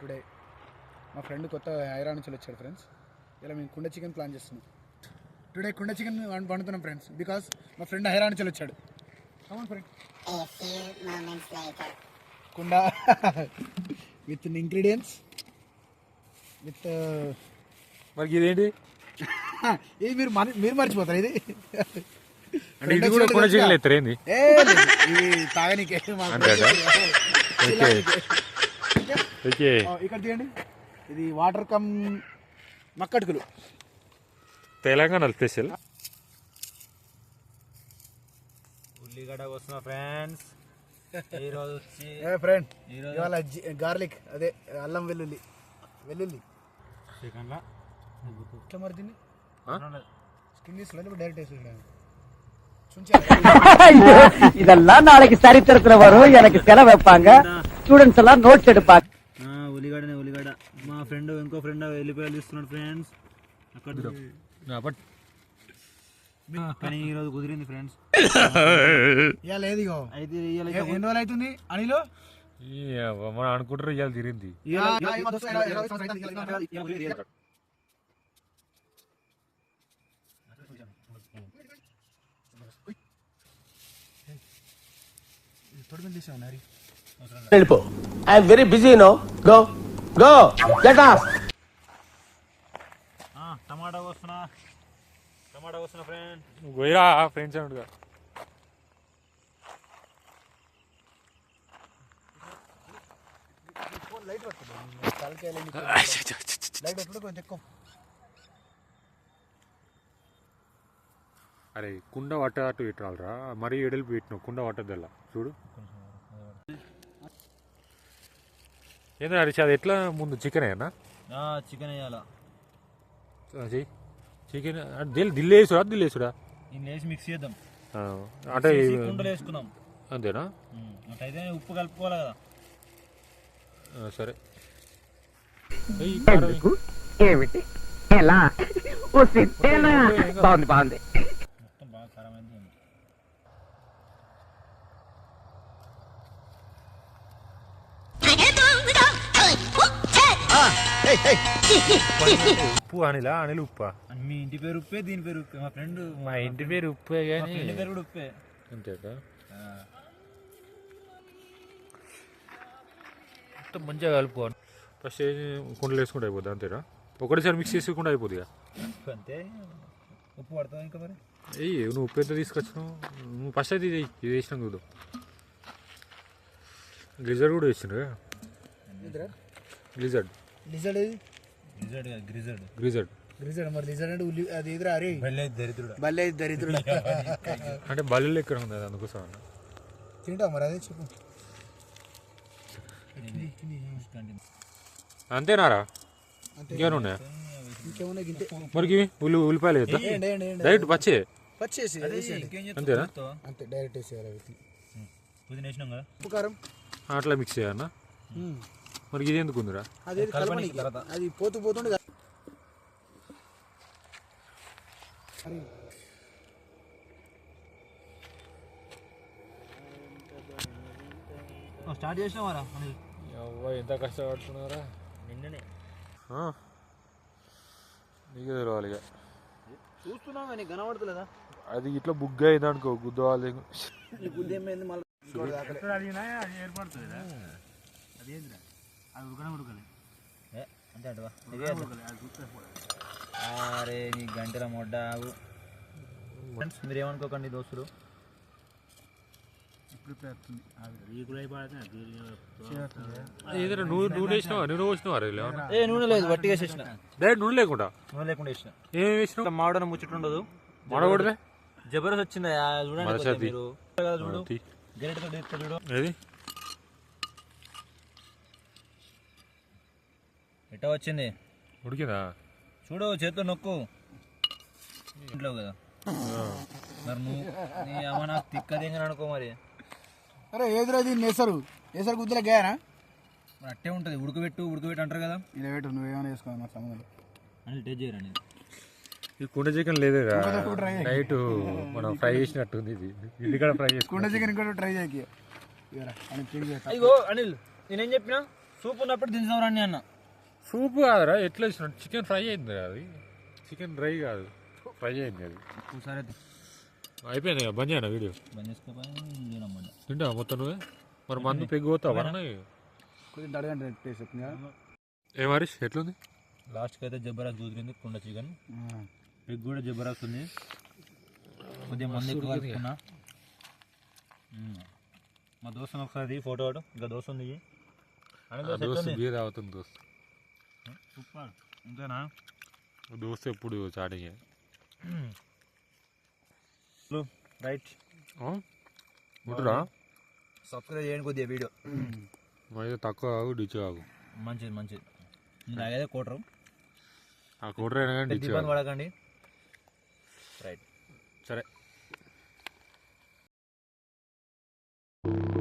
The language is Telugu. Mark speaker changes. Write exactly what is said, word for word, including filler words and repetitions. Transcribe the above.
Speaker 1: టుడే మా ఫ్రెండ్ కొత్త హైదరాబాద్ నుంచి వచ్చాడు ఫ్రెండ్స్. ఇలా మేము కుండ చికెన్ ప్లాన్ చేస్తున్నాం. టుడే కుండ చికెన్ వండుతున్నాం ఫ్రెండ్స్, బికాస్ మా ఫ్రెండ్ హైదరాబాద్ నుంచి వచ్చాడు. అవును ఫ్రెండ్, కుండ విత్ ఇంగ్రీడియంట్స్ విత్
Speaker 2: మరి ఇదేంటి?
Speaker 1: ఇది మీరు మీరు మర్చిపోతారు. ఇది
Speaker 2: అంటే ఇది కూడా కుండ చికెన్ ఎత్తారు ఏంది?
Speaker 1: ఇది తాగనీకే. ఇక్కడ తీయండి, ఇది వాటర్ కమ్ మక్కటుకులు,
Speaker 2: తెలంగాణ స్పెషల్.
Speaker 3: ఉల్లిగడ్డ వస్తున్నా ఫ్రెండ్స్. ఈరోజు వచ్చి
Speaker 1: ఫ్రెండ్ ఇవాళ గార్లిక్, అదే అల్లం వెల్లుల్లి వెల్లుల్లి
Speaker 3: చికెన్లో
Speaker 1: ఇట్లా మరి దీన్ని స్కిన్ తీసుకోవాలి, డైరెక్ట్ వేసి
Speaker 4: இதெல்லாம் நாளைக்கு சரித்திரத்துல வரும். எனக்கு செலவு வைப்பாங்க, ஸ்டூடெண்ட்ஸ் எல்லாம் நோட்ஸ் எடுப்பாங்க.
Speaker 3: ఉల్లిగడ్డనే ఉల్లిగడ్డ. మా ఫ్రెండ్ ఇంకో ఫ్రెండ్ వెళ్ళిపోయాలి తీస్తున్నాడు ఫ్రెండ్స్. అక్కడ కానీ ఈరోజు కుదిరింది ఫ్రెండ్స్.
Speaker 1: ఇవాళ ఏది
Speaker 3: అయితే
Speaker 1: ఎన్ని రోజులు అవుతుంది అనిలో
Speaker 2: మనం అనుకుంటారు ఇవాళ తిరిగింది.
Speaker 4: వెళ్ళిపో, I'm very busy no. Go go get off.
Speaker 3: టమాటా వస్తున్నా టమాటా వస్తున్నా ఫ్రెండ్.
Speaker 2: పోయిరా ఫ్రెండ్స్ అన్నట్టుగా. అరే కుండ వట్ట అటు పెట్టాలరా, మరీ ఎడలిపి పెట్టినావు. కుండ వట్టదల్లా చూడు. ఏంద్రా హరీష్, అది ఎట్లా ముందు చికెన్ అయ్యా?
Speaker 3: చికెన్ వేయాలా?
Speaker 2: చికెన్ దిల్ దిల్లు వేసుడా దిల్లు వేసుడా
Speaker 3: వేసి మిక్స్ చేద్దాం.
Speaker 2: అంటే
Speaker 3: కుండలు వేసుకుందాం
Speaker 2: అంతేనా?
Speaker 3: అయితే ఉప్పు కలుపుకోవాలి కదా.
Speaker 2: సరే.
Speaker 4: ఏమిటి ఎలా బాగుంది బాగుంది.
Speaker 3: మొత్తం బాగా ఖరామైంది.
Speaker 2: ఉప్పు అనిలా అనిల్ ఉప్పా?
Speaker 3: మీ ఇంటి పేరు ఉప్పే, దీని పేరు ఉప్పే. మా ఫ్రెండ్
Speaker 2: మా ఇంటి పేరు ఉప్పే కానీ
Speaker 3: ఇంటి పేరు కూడా ఉప్పే.
Speaker 2: అంతేకా? మొత్తం మంచిగా కలుపుకోవాలి. ఫస్ట్ కుండలు వేసుకుంటే అయిపోద్ది అంతేనా? ఒకటేసారి మిక్స్ చేసుకుంటే అయిపోద్ది.
Speaker 3: అంతే. ఉప్పు పడతావు ఇంకా మరి?
Speaker 2: ఏయ్ నువ్వు ఉప్పు ఎంత తీసుకొచ్చినావు? నువ్వు ఫస్ట్ అయితే ఇది ఇది వేసినాం చూడు. గ్లిజర్డ్ కూడా వేసిండు. గ్లిజర్డ్
Speaker 1: లిజర్డ్ ఏది?
Speaker 3: గ్రిజర్డ్ గ్రిజర్డ్
Speaker 2: గ్లిజర్డ్
Speaker 1: గ్రిజర్డ్ మరి లిజర్డ్ అంటే ఉల్లి అది ఎదురా? అరే
Speaker 3: బల్లే దరిద్రుడు,
Speaker 1: బల్లే దరిద్రుడు
Speaker 2: అంటే బల్లి ఎక్కడ ఉంది, అందుకోసం అన్న.
Speaker 1: తింటావు మరి? అదే చెప్పు.
Speaker 2: అంతేనారా? ఇంకేమైనా ఉన్నాయా?
Speaker 1: ఇంకేమున్నా గింతే
Speaker 2: మరికి ఉల్లి ఉల్లిపాయలు వేద్దా డైరెక్ట్ పచ్చే
Speaker 1: పచ్చేసి
Speaker 2: అంతేనా?
Speaker 1: అంతే డైరెక్ట్ వేసేయాలి.
Speaker 3: పుదీనా వేసినాం కదా,
Speaker 1: ఉప్పు కారం
Speaker 2: అట్లా మిక్స్ చేయాలన్నా. మరి ఇది ఎందుకు ఉందిరా?
Speaker 1: అది అది పోతూ పోతుండే
Speaker 3: స్టార్ట్ చేసినావారా?
Speaker 2: ఎంత కష్టపడుతున్నారా?
Speaker 3: నిన్ననే
Speaker 2: నీకే తెలవాలి ఇక.
Speaker 3: చూస్తున్నావు కానీ కనబడతలేదా?
Speaker 2: అది ఇట్లా బుగ్గ అయింది అనుకో, గుద్దవాలి.
Speaker 3: బుద్ధి ఏమైంది మళ్ళీ? ఏర్పడుతుంది అదేంద్రా, అది ఉడకనే ఉడకలే అంతే అంటవా? అరే నీ గంటల మొడ్డ ఆగు. ఫ్రెండ్స్ మీరు ఏమనుకోకండి దోస్తులు,
Speaker 2: ఏదైనా నూనె నూనె వేసినావా? నూనె పోసినావా?
Speaker 3: ఏ నూనె లేదు, వట్టిగా వేసేసిన.
Speaker 2: డైరెక్ట్ నూనె లేకుండా?
Speaker 3: నూనె లేకుండా వేసిన.
Speaker 2: ఏమి వేసినావు?
Speaker 3: మాడన ముచ్చట ఉండదు.
Speaker 2: మాడకూడదే?
Speaker 3: జబర్దస్త్ వచ్చిందా చూడండి మీరు. చూడు గరిటతో చూడు.
Speaker 2: ఏది
Speaker 3: ఎట్ట వచ్చింది?
Speaker 2: ఉడికిందా?
Speaker 3: చూడు చేతితో నొక్కు. ఇంట్లో కదా మరి నువ్వు నీ అమ్మ నాకు తిక్కదేంగా అనుకో మరి.
Speaker 1: అరే ఏదిరాది నేసరు నేసరు గుద్దులే గాయనా?
Speaker 3: మరి అట్టే ఉంటుంది. ఉడకబెట్టు ఉడకబెట్టు అంటారు కదా.
Speaker 1: ఇలా పెట్టు, నువ్వేమైనా వేసుకోవాలి మా సంబంధం
Speaker 3: అని టేస్ట్ చేయరా? నేను
Speaker 2: ఈ కుండ చికెన్ లేదేరా, నైట్ మనం ఫ్రై చేసినట్టుంది. ఇది ఇది కూడా ఫ్రై చేసి
Speaker 1: కుండ చికెన్ కూడా ట్రై చేయకి.
Speaker 3: అయ్యో అనిల్ నేనేం చెప్పినా? సూప్ ఉన్నప్పుడు దించుదాం రండి అన్న.
Speaker 2: సూప్ కాదురా, ఎట్లా వేసిన చికెన్ ఫ్రై అయింది అది, చికెన్ డ్రై కాదు ఫ్రై అయింది అది.
Speaker 3: ఒకసారి
Speaker 2: అయిపోయింది కదా, బంద్ చేయనా వీడియో?
Speaker 3: బంద్ చేసుకోపోయి
Speaker 2: తింటా మొత్తం నువ్వే, మరి మందు పెగ్గిపోతావా?
Speaker 1: కొంచెం అడగండి టేస్ట్ చెప్తుంది
Speaker 2: ఏ మరీష్ ఎట్లుంది?
Speaker 3: లాస్ట్కి అయితే జబరాస్ కుదిరింది కుండ చికెన్. ఎగ్ కూడా జబరాస్ ఉంది, కొద్దిగా మంది ఎక్కువ కలుపుకున్నా. మా దోస్తుని ఒకసారి ఫోటో ఇంకా దోస్తు ఉంది.
Speaker 2: దోస్తు బీర్ అవుతుంది దోస్తు.
Speaker 3: సూపర్ అంతేనా?
Speaker 2: దోస్తు ఎప్పుడు చాటింగ్.
Speaker 3: రైట్,
Speaker 2: ఉంటురా,
Speaker 3: సబ్స్క్రైబ్ చేయండి కొద్దిగా వీడియో.
Speaker 2: మరి తక్కువ కాదు, డిచ్ కాదు.
Speaker 3: మంచిది మంచిది. నాగైతే కోటరు
Speaker 2: ఆ కోటర్ అయినా కానీ డిచ్
Speaker 3: ఇబ్బంది పడకండి. రైట్,
Speaker 2: సరే.